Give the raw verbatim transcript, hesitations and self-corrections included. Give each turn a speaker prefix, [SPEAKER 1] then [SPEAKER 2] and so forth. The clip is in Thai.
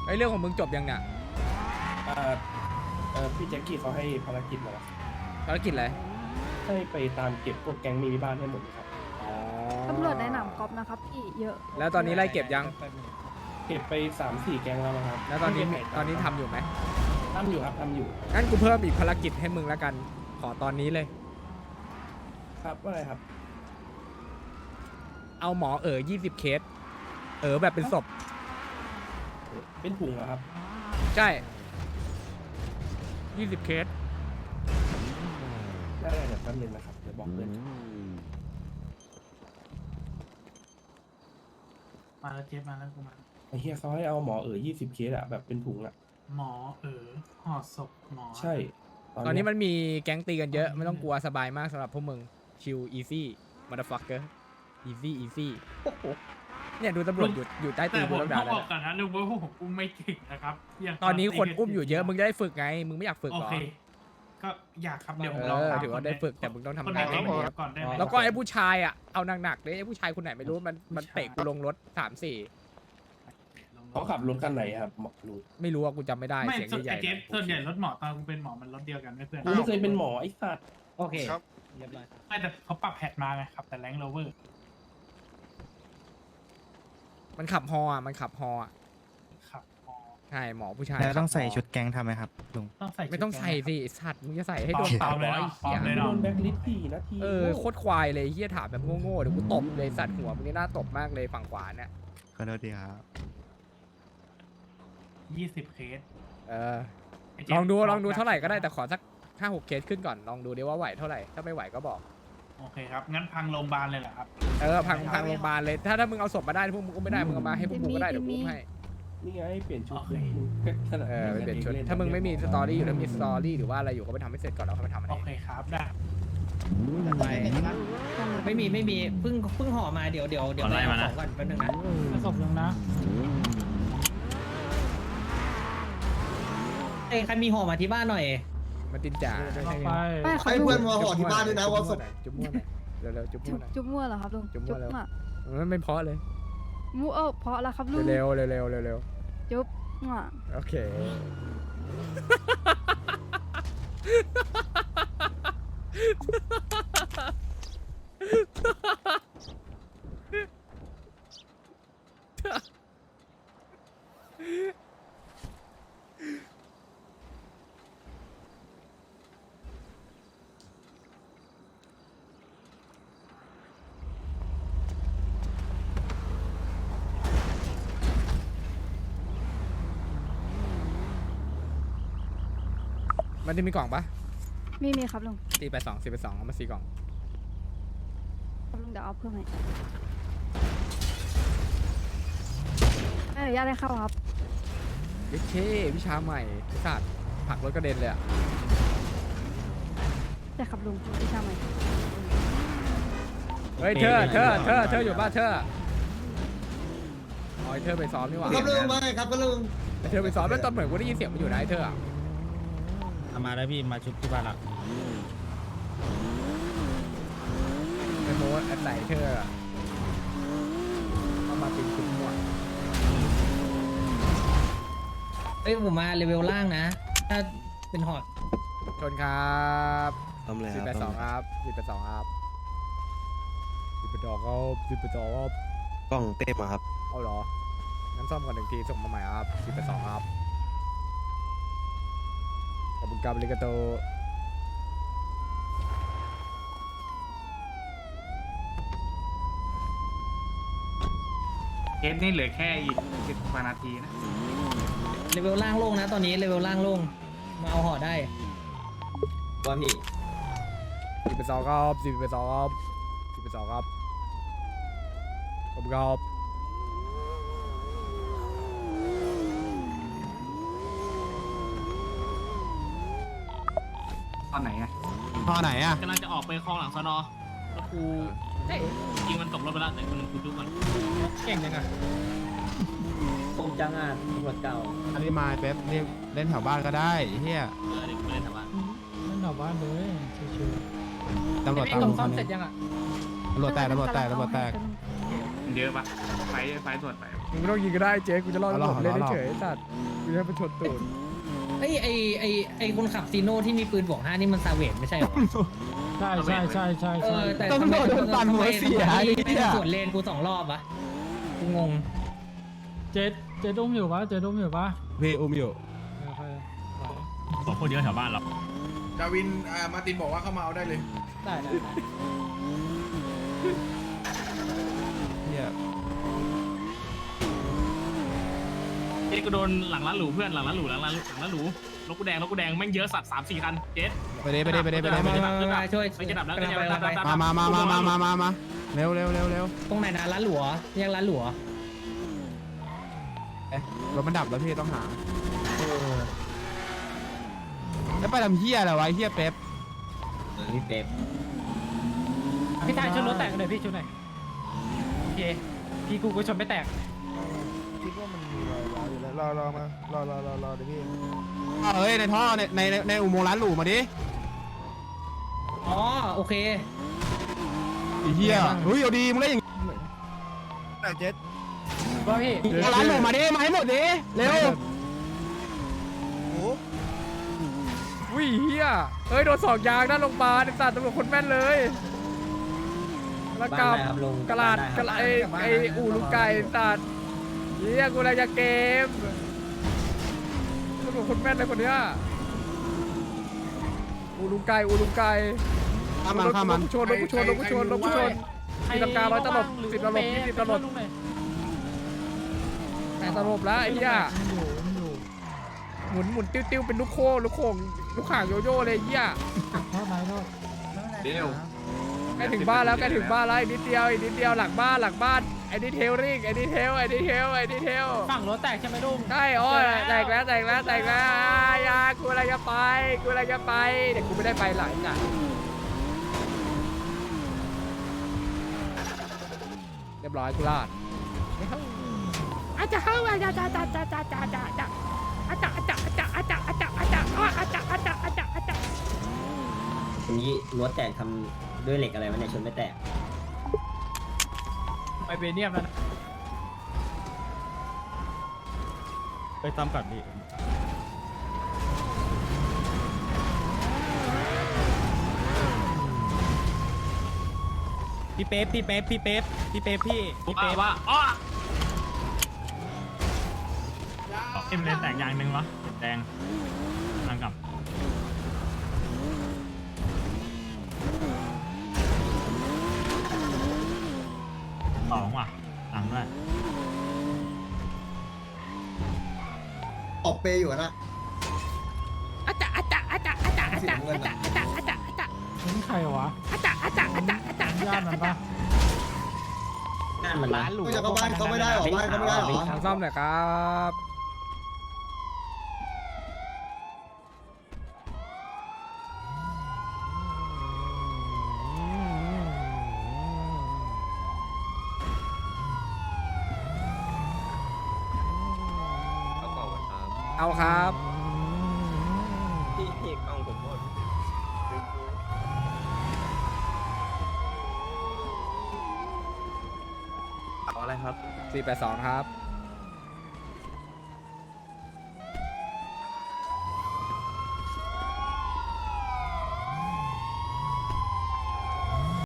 [SPEAKER 1] ไอ้เรื่องของมึงจบยังเนี่ย
[SPEAKER 2] เอ่อเอ่อพี่แจ็คกี้เขาให้ภารกิจมาแล้ว
[SPEAKER 1] ภารกิจอะไร
[SPEAKER 2] ให้ไปตามเก็บพวกแก๊งมีบ้านให้หมดเลยครับ
[SPEAKER 1] อ๋อ
[SPEAKER 3] ตำรวจในหนามกอล์ฟนะครับพี่เยอะ
[SPEAKER 1] แล้วตอนนี้ไล่เก็บยัง
[SPEAKER 2] เก็บไปสามสี่แก๊งแล้วนะครับ
[SPEAKER 1] แล้วตอนนี้
[SPEAKER 2] ไม่เก็บไห
[SPEAKER 1] ตอนนี้ทำอยู่ไหม
[SPEAKER 2] ทำอยู่ครับทำอยู่
[SPEAKER 1] งั้นกูเพิ่มอีกภารกิจให้มึงแล้วกัน ขอตอนนี้เลย
[SPEAKER 2] ครับว่าไงครับ
[SPEAKER 1] เอาหมอเอ๋อยี่สิบเคส เอ๋อแบบเป็นศพ
[SPEAKER 2] เป็นถุงเหรอครับ
[SPEAKER 1] ใช่ยี่สิบเคส
[SPEAKER 2] ได้ๆเดี๋ยวแป๊บนึงนะครับเดี๋ยวบอกเพื่อน
[SPEAKER 4] มาแล้วเจ็บมาแล้วกูมา
[SPEAKER 2] ไอ้เฮียเขาให้เอาหมอเอ๋อยี่สิบเคสอะแบบเป็นถุงอะ
[SPEAKER 4] หมอเออห่อศพหมอ
[SPEAKER 2] ใช่
[SPEAKER 1] ตอนนี้มันมีแก๊งตีกันเยอะ ไม่ต้องกลัวสบายมากสำหรับพวกมึง ชิลอีซี่มาดฟักเกอร์อีซี่อีซี่เนี่ยดูตำรวจอยู่อยู่ใต้ตี
[SPEAKER 4] แต่
[SPEAKER 1] น
[SPEAKER 4] ผ
[SPEAKER 1] กู
[SPEAKER 4] ม
[SPEAKER 1] แล้ว
[SPEAKER 4] ต้
[SPEAKER 1] ด่า
[SPEAKER 4] อง
[SPEAKER 1] เล
[SPEAKER 4] บอกก่อนนะลุงว่าผมอุ้มไม่เก่งนะครับยัง
[SPEAKER 1] ตอนนี้คนอุ้มอยู่เยอะ มึงจะได้ฝึกไง มึงไม่อยากฝึก
[SPEAKER 4] โอ
[SPEAKER 1] เหรอ
[SPEAKER 4] เค ก็อยากครับเดี๋ยวผม
[SPEAKER 1] เอ
[SPEAKER 4] ลอง
[SPEAKER 1] อ
[SPEAKER 4] ตาม
[SPEAKER 1] ถือว่าได้ฝึกแต่มึงต้องทำ
[SPEAKER 4] คน
[SPEAKER 1] งาน
[SPEAKER 4] ไหน
[SPEAKER 1] ให้มัน
[SPEAKER 4] เดี๋
[SPEAKER 1] เย
[SPEAKER 4] ยว
[SPEAKER 1] อะ
[SPEAKER 4] ก่อนได้ไหม
[SPEAKER 1] แล้วก็ไอ้ผู้ชายอ่ะ เอาหนักๆเลยไอ้ผู้ชายคนไหนไม่รู้มันมันเตะกูลงรถสามสี่
[SPEAKER 2] เขาขับรถคันไหนครับหมอรู้
[SPEAKER 1] ไม่รู้ว่ากูจำไม่ได้
[SPEAKER 4] ไม่
[SPEAKER 1] เสียง
[SPEAKER 4] ส่วน
[SPEAKER 1] ให
[SPEAKER 4] ไอ้
[SPEAKER 1] ญ่ๆ
[SPEAKER 4] เจ็บ
[SPEAKER 1] นะ
[SPEAKER 4] ส่วนใหญ่รถหมอตอนกูเป็นหมอมันรถเดียวกันไม่เพื่อน
[SPEAKER 2] กูไม่เคยเป็นหมอไอ้สัตว์
[SPEAKER 5] โอเค
[SPEAKER 6] ครับ
[SPEAKER 5] เรียบร้อย
[SPEAKER 4] ไม่แต่เขาปรับแพทมาไงครับแต่แรงโรเวอร์
[SPEAKER 1] มันขับฮออ่ะมันขับฮออ่ะ
[SPEAKER 4] ครับหมอ
[SPEAKER 1] ใช่หมอผู้ชาย
[SPEAKER 7] แล้วต้องใส่
[SPEAKER 1] ขับฮ
[SPEAKER 7] ชุดแก๊งทำไหมครับลุง
[SPEAKER 4] ต้องใส่
[SPEAKER 1] ไม่ต้องใส่สิไอ้สัตว์มึงจะใส่ให้โดน
[SPEAKER 4] ปล
[SPEAKER 1] ป
[SPEAKER 4] อ
[SPEAKER 1] รั
[SPEAKER 4] ม
[SPEAKER 1] บ
[SPEAKER 4] เลย
[SPEAKER 1] ร้อย
[SPEAKER 4] เนาะปลอม
[SPEAKER 1] เหี้
[SPEAKER 4] เลย ย
[SPEAKER 2] โด
[SPEAKER 4] เนาะ
[SPEAKER 2] นแบ็คลิสต์สี่นาที
[SPEAKER 1] เออโคตรควายเลยเฮียถามแบบโง่ๆเดี๋ยวกูตบเลยสัตว์หัวมึงนี่น่าตบมากเลยฝั่งขวาเนี่ย
[SPEAKER 7] ขอโทษดีครับ
[SPEAKER 4] ยี่สิบเคส
[SPEAKER 1] เออ
[SPEAKER 4] ไเจ็บ
[SPEAKER 1] ลองดูลองดูเท่าไหร่ก็ได้แต่ขอสักห้าหกเคสขึ้นก่อนลองดูดิว่าไหวเท่าไหร่ถ้าไม่ไหวก็บอก
[SPEAKER 4] โอเคครับงั้นพังโรงพยาบาลเลยเหรอครับ
[SPEAKER 1] เออพังพังโรงพยาบาลเลยถ้าถ้ามึงเอาศพมาได้พวกมึงก็ไม่ได้มึงเอามาให้พวกมึงก็ได้เดี๋ยวกูให้
[SPEAKER 2] นี่ไงเปลี่ยนชุด
[SPEAKER 4] โอเค
[SPEAKER 2] ขนาด
[SPEAKER 1] เออไป
[SPEAKER 2] ล่
[SPEAKER 1] เปลี่ยนชุด
[SPEAKER 2] ล่
[SPEAKER 1] ถ้ามึงไม่มีสตอรี่อยู่ถ้ามีสตอรี่หรือว่าอะไรอยู่ก็ไปทำให้เสร็จก่อนแล้วค่อยไปทำมัน
[SPEAKER 4] โอ
[SPEAKER 1] เอง
[SPEAKER 4] เคครับได้
[SPEAKER 5] ไปไม่มีไม่มีเพิ่งเพิ่งห่อมาเดี๋ยวเดี๋ยวเดี๋ยวไปเอาของก่อนแป๊บนึงนะ
[SPEAKER 4] มาศพนึงนะ
[SPEAKER 5] เอ้ยใครมีห่อมาที่บ้านหน่อย
[SPEAKER 1] มันตินจ่า
[SPEAKER 4] ไป
[SPEAKER 3] ไม่เขา
[SPEAKER 6] ให้
[SPEAKER 3] ลุง
[SPEAKER 6] เพื่อนมาห่อที่บ้านด้วยนะว่าศพ
[SPEAKER 1] จุ๊บมั่วหน่อยเร็วๆจุ๊บ
[SPEAKER 3] จุ
[SPEAKER 1] มั่
[SPEAKER 3] บ
[SPEAKER 1] วหน่อย
[SPEAKER 3] จุบมั่วเหรอครับลุง
[SPEAKER 1] จุ๊บมั่วแล้ว
[SPEAKER 3] อ่ะ
[SPEAKER 1] มันไม่เพราะเลย
[SPEAKER 3] มั่วเออเพราะแล้วครับลุง
[SPEAKER 1] เร็วๆเร็วๆเร็ว
[SPEAKER 3] จุบอ่ะ
[SPEAKER 1] ๆโอเค มันจะมีกล่องปะ
[SPEAKER 3] มีมีครับลุง
[SPEAKER 1] สี่ไปสองสี่ไปสองเอามาสี่กล่อง
[SPEAKER 3] ครับลุงเดี๋ยวเอาเพิ่มให้ไม่อนุญาตให้เข้าครับ
[SPEAKER 1] เย้เช่วิชาใหม่ไอ้สัตว์ผลักรถกระเด็นเลยอะ
[SPEAKER 3] แต่ครับลุงไม่ใช่ไหม
[SPEAKER 1] เฮ้ยเธอเธอเธอเธออยู่ป่ะเธออ๋อไอ้เธอไปซ้อมนี่หว่า
[SPEAKER 6] ครับลุงว่าไงครับก็ลุง
[SPEAKER 1] ไอ้เธอไปซ้อมแล้วตอนเหมือนกูได้ยินเสียงมันอยู่นะไอ้เธออะ
[SPEAKER 7] มาแล้วพี่มาชุบที่บ้านหลัก
[SPEAKER 1] ไอ้โมดอันไหนเธออะเอามาเป็นคุณมั่ว
[SPEAKER 5] เอ้ยผมมาเลเวลล่างนะ ถ้าเป็นห่อ
[SPEAKER 1] ชนครับ
[SPEAKER 7] ทำเลยค
[SPEAKER 1] สิบ
[SPEAKER 7] รับ
[SPEAKER 1] แปดสองครับสิบแปดสองครับสิบแปดสองครับสิบแปดสองครับ
[SPEAKER 7] กล้องเต้มาครับ
[SPEAKER 1] เอาเหรองั้นซ่อมก่อนหนึ่งทีส่งมาใหม่ครับสิบแปดสองครับขอบคุณครับลิกาโต
[SPEAKER 4] เคสนี่เหลือแค่อีกสิบกว่านาทีนะ
[SPEAKER 5] เลเวลล่างโล่งนะ ตอนนี้เลเวลล่างโล่งมาเอาห่อได้
[SPEAKER 7] ว่าพี่
[SPEAKER 1] สิบแปดสองครับสิบแปดสองครับสิบแปดสองครับขอบคุณครับ
[SPEAKER 4] ตอนไหนอะ
[SPEAKER 7] พอไหนอ่ะ
[SPEAKER 8] กำลังจะออกไปคลองหลังสนอแล้วกูยิงมันตกรถไปแล้วแต่คนหนึงกูจุกมัน
[SPEAKER 1] เก่งจังอะ
[SPEAKER 5] ผมจังอ่ะตำรวจเก่า
[SPEAKER 7] อันนี้มาเป๊ปเรียกเล่นแถวบ้านก็ได้เฮีย
[SPEAKER 8] เออเด็กไปเล่นแถวบ้าน
[SPEAKER 4] นั่นหนอบ้านเลยชิว
[SPEAKER 7] ตำรวจตามคนนี้ตำรวจแตกตำรวจแตกตำรวจแตก
[SPEAKER 4] ๆเยอะปะไฟไฟตรวจไป
[SPEAKER 1] เมึงไม่ต้องยิงก็ได้เจ๊กูจะรอด
[SPEAKER 7] เอาหรอ
[SPEAKER 1] ผมเล่น
[SPEAKER 7] เอาหรอ
[SPEAKER 1] เฉยๆไอ้สัตว์กูจะให้มันชนตูด
[SPEAKER 5] ไอ้ยไอ้ไอ้ไอ้คนขับซีโน่ที่มีปืนบวกห้านี่มันซาเวตไม่ใช่เหรอ
[SPEAKER 4] ใช่ใช่ใช่ใช่
[SPEAKER 5] เอ
[SPEAKER 4] ใช่
[SPEAKER 5] อแต่
[SPEAKER 7] ต้อง
[SPEAKER 5] ทำไม
[SPEAKER 7] โดนปั่นหัวเสีย
[SPEAKER 5] ทำไม
[SPEAKER 7] ไอ้
[SPEAKER 5] ไม่
[SPEAKER 7] เหี้ย
[SPEAKER 5] สวนเลนกูสองรอบวะกูงง
[SPEAKER 4] เจ็ดเจ็ดอุ้มอยู่ปะเจ็ดอุ้มอยู่ปะ
[SPEAKER 7] พี่อุ้มอยู่
[SPEAKER 4] โอเคไหว
[SPEAKER 8] สองคนเยอะแถวบ้านเรา
[SPEAKER 2] ดาวินอ่ามาตินบอกว่าเข้ามาเอาได้เลย
[SPEAKER 4] ได้ได้
[SPEAKER 7] เฮีย
[SPEAKER 8] เจ๊กูโดนหลังร้านหรูเพื่อนหลังร้านหรูหลังร้านหลังร้านหรูรถกูแดงรถกูแดงแม่งเยอะสัตว์สามสี่คันเจ๊
[SPEAKER 7] ไปเด้ไปเด้ไปเด้ไปเด้ไป
[SPEAKER 5] มา
[SPEAKER 7] เด้
[SPEAKER 5] มามามาช่วย
[SPEAKER 8] ไม่จะดับแล้ว
[SPEAKER 5] กำลังไป
[SPEAKER 8] จะดับ
[SPEAKER 5] กำลังไป
[SPEAKER 8] ดับ
[SPEAKER 7] มามามามามามามาเร็วเร็วเร็วเร็ว
[SPEAKER 5] ตรงไหนนะร้านหลัวแยกร้านหลัว
[SPEAKER 7] เอ๊ะรถมันดับแล้วพี่ต้องหาแล้วไปทำเฮียอะไรวะไอ้เฮียเป๊ป
[SPEAKER 5] นี่เป๊ป
[SPEAKER 4] พี่ชายชนรถแตกเลยพี่ชนหน่อยโอเคพี่กูก็ชนไม่แตก
[SPEAKER 9] คิดว่ามันมีรอยร้าวอยู่แล้วรอรอมารอรอรอรอเดี๋ยวพี่
[SPEAKER 7] เอ้ยในท่อในในในอุโมงค์ร้านหรูมาดิ
[SPEAKER 5] อ๋อโอเค
[SPEAKER 7] ไอ้เฮียเฮ้ยเอาดีมึงได้อย่าง
[SPEAKER 9] แต่เจ็ด
[SPEAKER 4] ว่าพี่
[SPEAKER 7] เอาร้านหรูมาดิมาให้หมดดิเร็ว
[SPEAKER 9] โอ้
[SPEAKER 1] วิ่งเฮียเฮ้ยโดนสองยางด้านโรงพยาบาลไอ้สัตว์ตำรวจคนแม่นเลยแล้วกับกระลาดกระลาดไอ้ไอ้อู่ลูกไก่สัตว์เฮียกูอะไรจะเกมตำรวจคนแม่นเลยคนเนี้ยอู่ลูกไก่อู่ลูกไก่
[SPEAKER 7] ข้ามมันข้ามมัน
[SPEAKER 1] รถกูชนรถกูชนรถกูชนรถกูชนมีตำการร้อยตลบสิบตลบยี่สิบตลบแปดตลบแล้วไอ้เหี้ย
[SPEAKER 4] อยู่อยู่
[SPEAKER 1] หมุนหมุนติ้วติ้วเป็นลูกโค้งลูกโค้งลูกข่างโยโย่เลยไอ้เหี้ย
[SPEAKER 4] โทษไหมโทษ
[SPEAKER 2] เดี๋ยว
[SPEAKER 1] ใกล้ถึงบ้านแล้วใกล้ถึงบ้านแล้วอีกนิดเดียวอีกนิดเดียวหลังบ้านหลังบ้านไอ้ดีเทลริงไอ้ดีเทลไอ้ดีเทลไอ้ดีเทล
[SPEAKER 4] ฝั่งรถแตกใช่ไหมลุง
[SPEAKER 1] ใช่โอ้ยแตกแล้วแตกแล้วแตกแล้วอ่ายากูอะไรจะไปกูอะไรจะไปเด็กกูไม่ได้ไปหลายจ้ะเรียบร้อยกูลาดอาจจะเข้าอาจจะอาจจะอาจจะอาจจะอาจจะอาจจะอาจจะอาจจะอาจจะอาจจะอาจจะอาจจะอาจจะอาจจะอาจจะ
[SPEAKER 5] ทีนี้รถแตกทำด้วยเหล็กอะไรวะเนี่ยชนไม่แตก
[SPEAKER 4] ไปเบเนียมแล้วนะ
[SPEAKER 7] ไปตามกัดดิ
[SPEAKER 10] พี่เป๊ปพี่เป๊ปพี่เป๊ปพี่เป๊ปพี่พี่
[SPEAKER 8] ว่า
[SPEAKER 10] เป๊ป
[SPEAKER 8] ว่าอ๋อ
[SPEAKER 4] เอ็มเลนแตกยางหนึ่งวะแดงทางกลับ สองว่ะหลังด้วย
[SPEAKER 6] ออกเปย์อยู่นะ
[SPEAKER 1] อาจจะอาจจะอาจจะอาจจะอาจจะอาจจะอาจจะอาจจะอาจจะ
[SPEAKER 4] นี่ใครวะ
[SPEAKER 1] อาจจะอาจจะอาจจะอาจจะอาจ
[SPEAKER 4] ญา
[SPEAKER 1] จะ
[SPEAKER 4] ติมันปะ
[SPEAKER 5] นั่นมันร้านหรู
[SPEAKER 6] ไม่จะเข้าบ้านเขาไม่ได้หรอบ้านเขาไม่ได้หรอ
[SPEAKER 1] ทางซ่อมหน่อยครับเอาครับ
[SPEAKER 10] พี่กล้องผมหมด
[SPEAKER 1] สี่แปดสองครับ